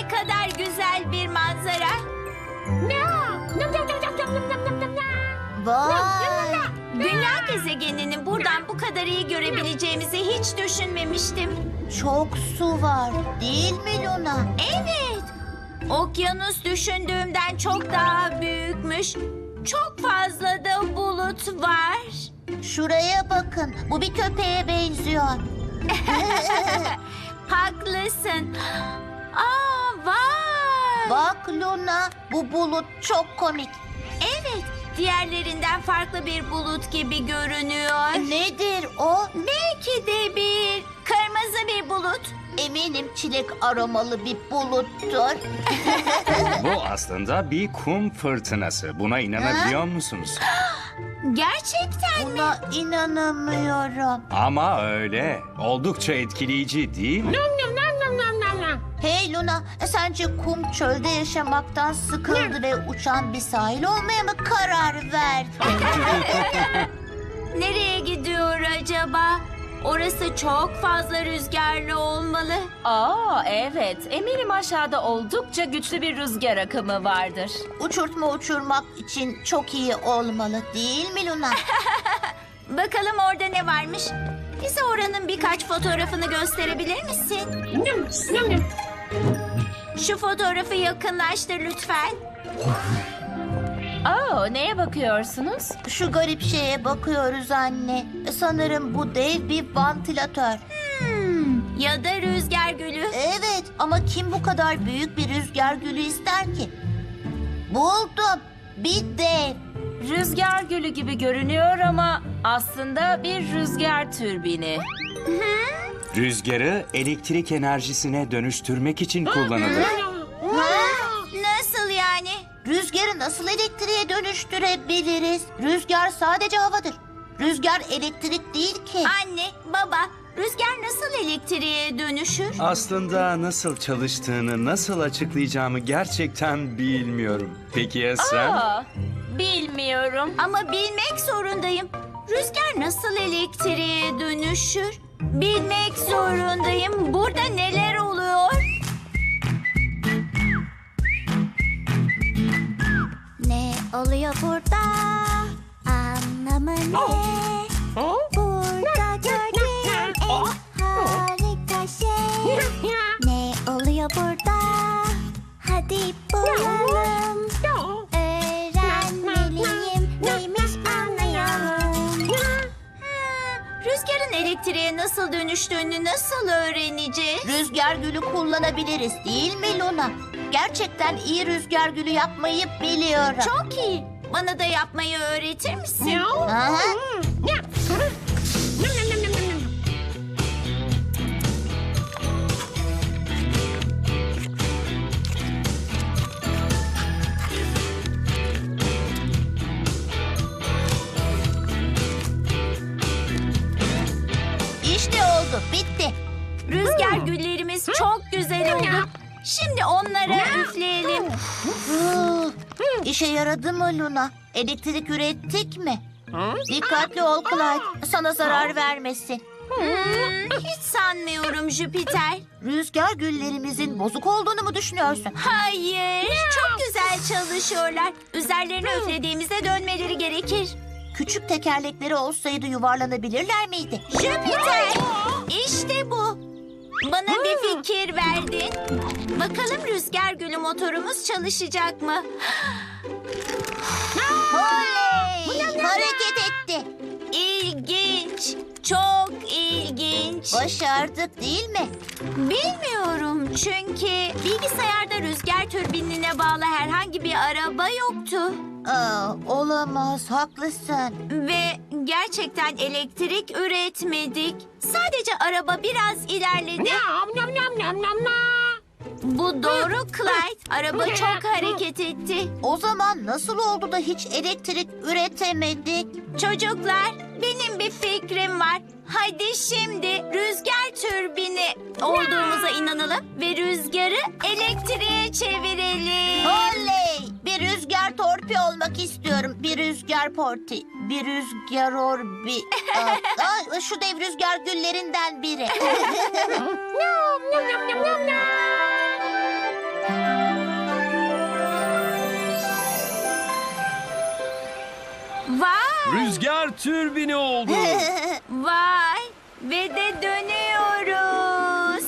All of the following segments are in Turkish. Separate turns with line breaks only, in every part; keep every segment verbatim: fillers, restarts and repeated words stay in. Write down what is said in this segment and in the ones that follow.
Ne kadar güzel bir manzara.
Vay!
Dünya gezegeninin buradan bu kadar iyi görebileceğimizi hiç düşünmemiştim.
Çok su var, değil mi Luna?
Evet. Okyanus düşündüğümden çok daha büyükmüş. Çok fazla da bulut var.
Şuraya bakın, bu bir köpeğe benziyor.
Haklısın. Aa, vay.
Bak Luna, bu bulut çok komik.
Evet, diğerlerinden farklı bir bulut gibi görünüyor.
Nedir o?
Belki de bir kırmızı bir bulut.
Eminim çilek aromalı bir buluttur.
Bu aslında bir kum fırtınası. Buna inanabiliyor musunuz?
Gerçekten mi?
Buna inanamıyorum.
Ama öyle. Oldukça etkileyici değil mi?
Hey Luna, sence kum çölde yaşamaktan sıkıldı ve uçan bir sahil olmaya mı karar verdi?
Nereye gidiyor acaba? Orası çok fazla rüzgarlı olmalı.
Aa evet, eminim aşağıda oldukça güçlü bir rüzgar akımı vardır.
Uçurtma uçurmak için çok iyi olmalı, değil mi Luna?
Bakalım orada ne varmış? Bize oranın birkaç fotoğrafını gösterebilir misin? Şu fotoğrafı yakınlaştır lütfen.
Aa, neye bakıyorsunuz?
Şu garip şeye bakıyoruz anne. Sanırım bu dev bir vantilatör.
Hmm, ya da rüzgar gülü.
Evet, ama kim bu kadar büyük bir rüzgar gülü ister ki? Buldum. Bir dev.
Rüzgar gülü gibi görünüyor ama aslında bir rüzgar türbini.
Rüzgarı elektrik enerjisine dönüştürmek için kullanılır.
Nasıl yani?
Rüzgarı nasıl elektriğe dönüştürebiliriz? Rüzgar sadece havadır. Rüzgar elektrik değil ki.
Anne, baba, rüzgar nasıl elektriğe dönüşür?
Aslında nasıl çalıştığını, nasıl açıklayacağımı gerçekten bilmiyorum. Peki ya sen?
Aa, bilmiyorum.
Ama bilmek zorundayım. Rüzgar nasıl elektriğe dönüşür? Bilmek zorundayım. Burada neler oluyor?
Ne oluyor burada? Anlamı ne? Burada gördüğüm en harika şey. Ne oluyor burada? Hadi bulalım. Öğrenmeliyim. Neymiş anlayalım.
Rüzgarın elektriğe nasıl dönüştüğünü nasıl öğreneceğiz?
Rüzgar gülü kullanabiliriz, değil mi Luna? Gerçekten iyi rüzgar gülü yapmayı biliyorum.
Çok iyi. Bana da yapmayı öğretir misin?
Aha. İşte oldu, bitti.
Rüzgar güllerimiz çok güzel oldu. Şimdi onlara üfleyelim.
Huh, İşe yaradı mı Luna? Elektrik ürettik mi? Dikkatli ol Clyde, sana zarar vermesin.
Hmm, hiç sanmıyorum Jüpiter.
Rüzgar güllerimizin bozuk olduğunu mu düşünüyorsun?
Hayır, çok güzel çalışıyorlar. Üzerlerine üflediğimizde dönmeleri gerekir.
Küçük tekerlekleri olsaydı yuvarlanabilirler miydi?
Jüpiter, işte bu. Bana bir fikir verdin. Bakalım rüzgar gülü motorumuz çalışacak mı?
Oley! Hareket etti.
İlginç, çok ilginç.
Başardık değil mi?
Bilmiyorum çünkü bilgisayarda rüzgar türbinine bağlı herhangi bir araba yoktu.
Aa, olamaz, haklısın.
Ve gerçekten elektrik üretmedik. Sadece araba biraz ilerledi. Bu doğru Clyde. Araba çok hareket etti.
O zaman nasıl oldu da hiç elektrik üretemedik?
Çocuklar, benim bir fikrim var. Hadi şimdi rüzgar türbini olduğumuza inanalım ve rüzgarı elektriğe çevirelim.
Oley! Bir rüzgar torpi olmak istiyorum. Bir rüzgar porti. Bir rüzgar orbi. Aa, aa, şu dev rüzgar güllerinden biri.
Rüzgar türbini oldu.
Vay! Ve de dönüyoruz.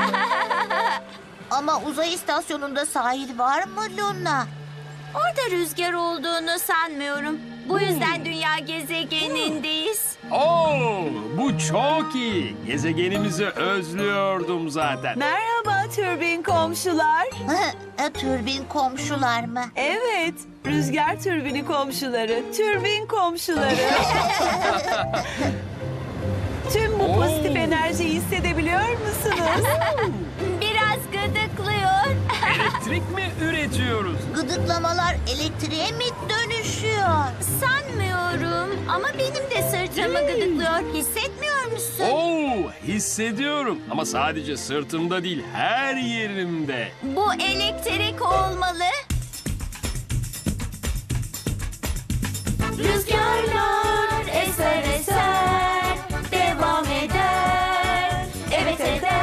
Ama uzay istasyonunda sahil var mı Luna?
Orada rüzgar olduğunu sanmıyorum. Bu yüzden dünya gezegenindeyiz.
Oo, bu çok iyi. Gezegenimizi özlüyordum zaten.
Merhaba türbin komşular.
E, Türbin komşular mı?
Evet, rüzgar türbini komşuları, türbin komşuları. Tüm bu pozitif enerjiyi hissedebiliyor musunuz?
Biraz gıdıklıyor.
Elektrik mi üretiyoruz?
Gıdıklamalar elektriğe mi dönüşüyor?
Sanmıyorum ama benim de sırtımı gıdıklıyor. Hissetmiyor musun?
Oo, hissediyorum. Ama sadece sırtımda değil, her yerimde.
Bu elektrik olmalı. Rüzgarlar eser eser devam eder. Evet eder.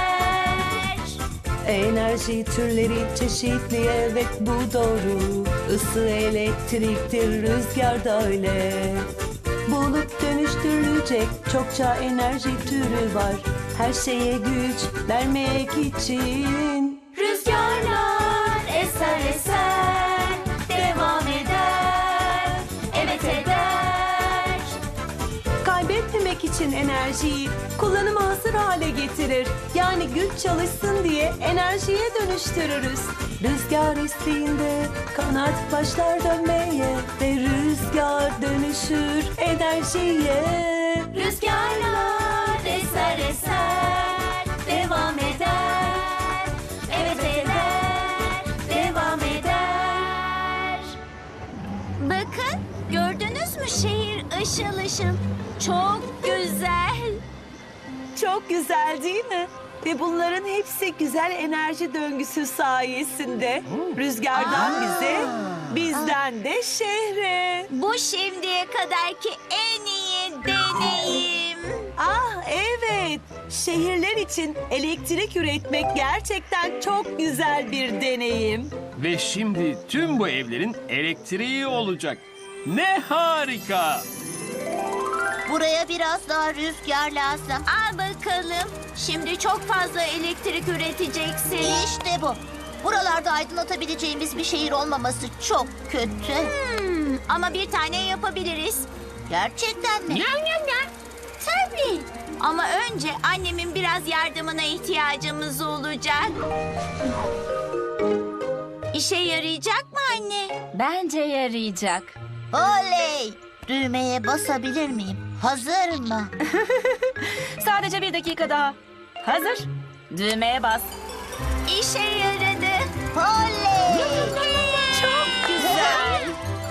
Enerji türleri çeşitli, evet bu doğru. Isı elektriktir, rüzgar da öyle. Bulup dönüştürülecek çokça enerji türü var. Her şeye güç vermek için.
Rüzgarlar eser eser devam eder. Evet eder.
Kaybetmemek için enerjiyi kullanıma hazır hale getirir. Yani güç çalışsın diye enerjiye dönüştürürüz. Rüzgar estiğinde kanat başlar dönmeye ve rüzgar dönüşür enerjiye.
Rüzgarlar eser eser devam eder. Evet eder. Devam eder. Bakın gördünüz mü şehir ışıl ışıl. Çok güzel.
Çok güzel değil mi? Ve bunların hepsi güzel enerji döngüsü sayesinde. Rüzgardan bize, bizden de şehre.
Bu şimdiye kadarki en iyi deneyim.
Ah evet, şehirler için elektrik üretmek gerçekten çok güzel bir deneyim.
Ve şimdi tüm bu evlerin elektriği olacak. Ne harika!
Buraya biraz daha rüzgar lazım.
Al bakalım. Şimdi çok fazla elektrik üreteceksin.
İşte bu. Buralarda aydınlatabileceğimiz bir şehir olmaması çok kötü.
Hmm, ama bir tane yapabiliriz.
Gerçekten mi?
Tabii. Ama önce annemin biraz yardımına ihtiyacımız olacak. İşe yarayacak mı anne?
Bence yarayacak.
Oley! Düğmeye basabilir miyim? Hazır mı?
Sadece bir dakika daha. Hazır. Düğmeye bas.
İşe yaradı.
Oley!
Çok güzel.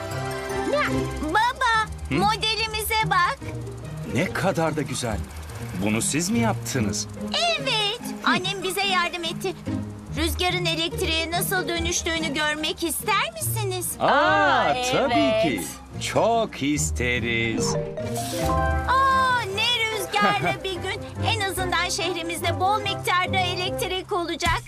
Baba, modelimize bak.
Ne kadar da güzel. Bunu siz mi yaptınız?
Evet, annem bize yardım etti. Rüzgarın elektriğe nasıl dönüştüğünü görmek ister misiniz?
Aa,
Aa,
tabii
evet.
ki. Çok isteriz.
Aa, ne rüzgarlı bir gün. En azından şehrimizde bol miktarda elektrik olacak.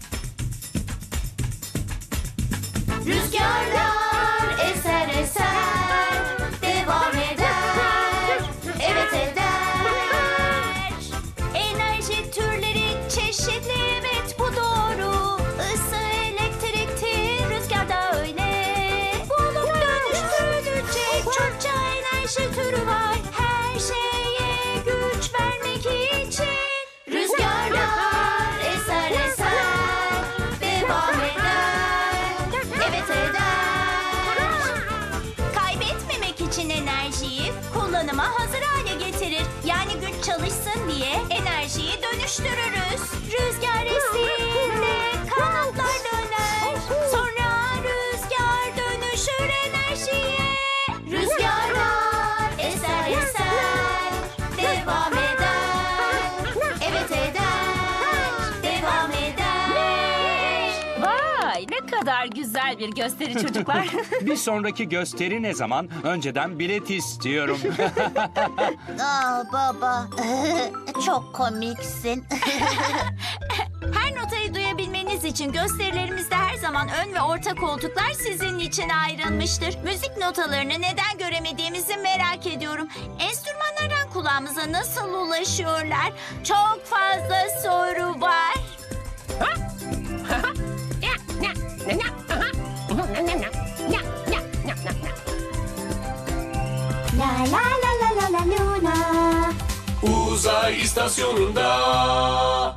Rüzgarlar eser eser devam eder. Evet eder. Enerji türleri çeşitli, evet bu doğru. Isı elektriktir, rüzgar da öyle. Bulup dönüştürülecek çokça enerji türü var. Her şeye güç vermek için. Rüzgarlar eser eser devam eder. Evet eder. Kaybetmemek için enerjiyi kullanıma hazır hale getirir. Yani güç çalışsın diye enerjiyi dönüştürürüz. Rüzgar estiğinde kanatlar döner. Sonra rüzgar dönüşür enerjiye. Rüzgarlar eser eser devam eder. Evet eder. Devam eder.
Vay, ne kadar güzel bir gösteri çocuklar.
Bir sonraki gösteri ne zaman? Önceden bilet istiyorum.
Aa baba. Çok komiksin.
Her notayı duyabilmeniz için gösterilerimizde her zaman ön ve orta koltuklar sizin için ayrılmıştır. Müzik notalarını neden göremediğimizi merak ediyorum. Enstrümanlardan kulağımıza nasıl ulaşıyorlar? Çok fazla soru var.
La la la la la la Luna.
Uzay istasyonunda